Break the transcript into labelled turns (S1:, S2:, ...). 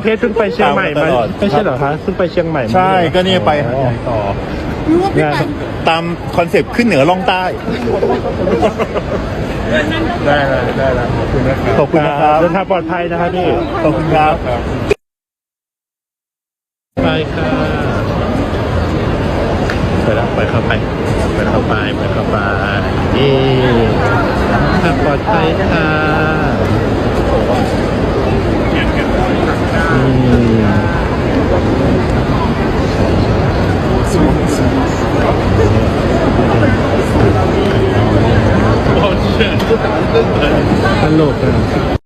S1: เพชรเพิ่งไปเชียงใหม่มาไม่ใช่เหรอคะเพิ่งไปเชียงใหม่
S2: ใช่ก็เนี่ยไปหาดใหญ่ต่อตามคอนเซปต์ขึ้นเหนือล่องใต้
S1: ได้แล้วขอบคุณนะครับ
S2: ขอบคุณนะครับ
S1: เดินทางปลอดภัยนะครับพี่
S2: ขอบคุณครับ
S1: ไปค่ะไปเข้าไปนี่ทางปลอดภัยค่ะตลกอ่ะ